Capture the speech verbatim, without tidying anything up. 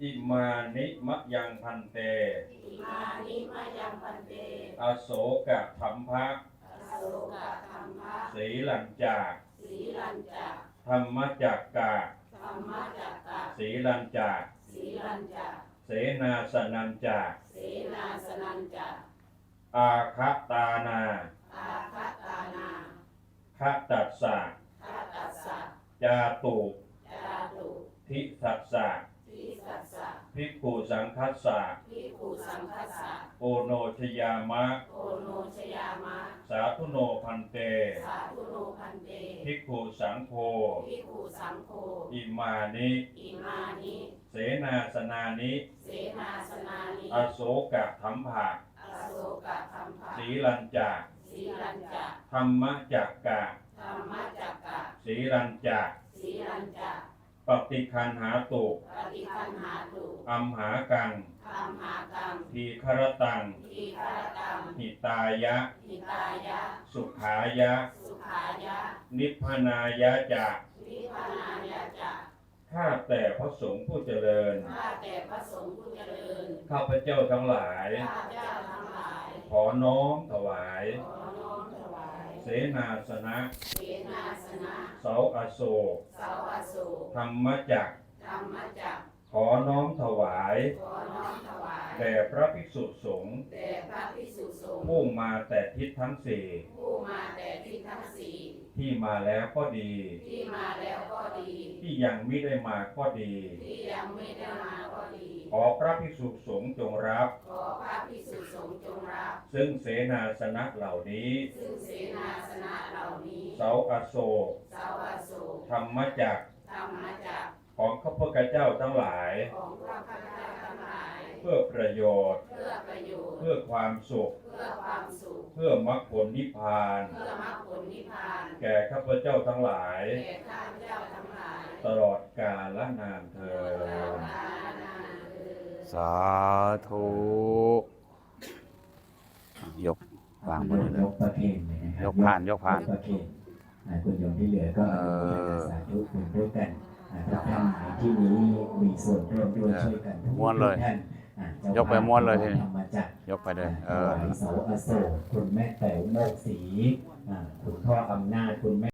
อิมานิมะยังพันเตอิมานิมะยังพันเตอโศกะธัมภะอโศกะธัมภะสีลัญจาสีลัญจาธรรมจักกะธรรมจักกะสีลัญจาสีลัญจาเสนาสนัญจาเสนาสนัญจาอาคตานาอาคตานาคตัสสะคตัสสะจาตุจาตุทิสัสสะทิสัสสะภิกขุสังคัสสะภิกขุสังคัสสะโอโนชยามะโอโนชยามะสาธุโนพันเตสาธุโนพันเตภิกขุสังโฆภิกขุสังโฆอิมานิอิมานิเสนาสนานิเสนาสนานิอโศกะธัมภะอโศกะธัมภะสีลัญจาสีลัญจาธรรมจักกะธรรมจักกะสีลัญจาสีลัญจาปฏิคันหาตุปฏิคันหาตุอัมหากังอัมหากังทีครตังทีครตังหิตายะหิตายะสุขายะสุขายะนิพพานายะจะนิพพานายะจะข้าแต่พระสงฆ์ผู้เจริญข้าแต่พระสงฆ์ผู้เจริญข้าพเจ้าทั้งหลายข้าพเจ้าทั้งหลายขอน้อมถวายขอน้อมถวายเสนาสนะเสนาสนะเสาอโศกเสาอโศกธรรมจักรธรรมจักรขอน้อมถวายขอน้อมถวายแด่พระภิกษุสงฆ์แด่พระภิกษุสงฆ์ผู้มาแต่ทิศทั้งสี่ผู้มาแต่ทิศทั้งสี่ที่มาแล้วก็ดีที่มาแล้วก็ดีที่ยังไม่ได้มาก็ดีที่ยังไม่ได้มาก็ดีขอพระภิกษุสงฆ์จงรับขอพระภิกษุสงฆ์จงรับซึ่งเสนาสนะเหล่านี้ซึ่งเสนาสนะเหล่านี้เสาอโศกเสาอโศกธรรมจักรธรรมจักรของข้าพเจ้าทั้งหลายของข้าพเจ้าทั้งหลายเพื่อประโยชน์เพื่อประโยชน์เพื่อความสุขเพื่อความสุขเพื่อมรรคผลนิพพานเพื่อมรรคผลนิพพานแก่ข้าพเจ้าทั้งหลายแก่ข้าพเจ้าทั้งหลายตลอดกาลนานเทอญสาธุยกวางมือเลยยกประเคนเลยนะครับยกผ่านยกผ่านประเคนคุณโยมที่เหลือก็สาธุคุณด้วยกันทุกท่านในที่นี้มีส่วนร่วมด้วยช่วยกันม้วนเลยยกไปม้วนเลยทีนี้ยกไปเลยเออเสาอโศกคุณแม่แต๋วโมกศรีคุณพ่ออำนาจคุณแม่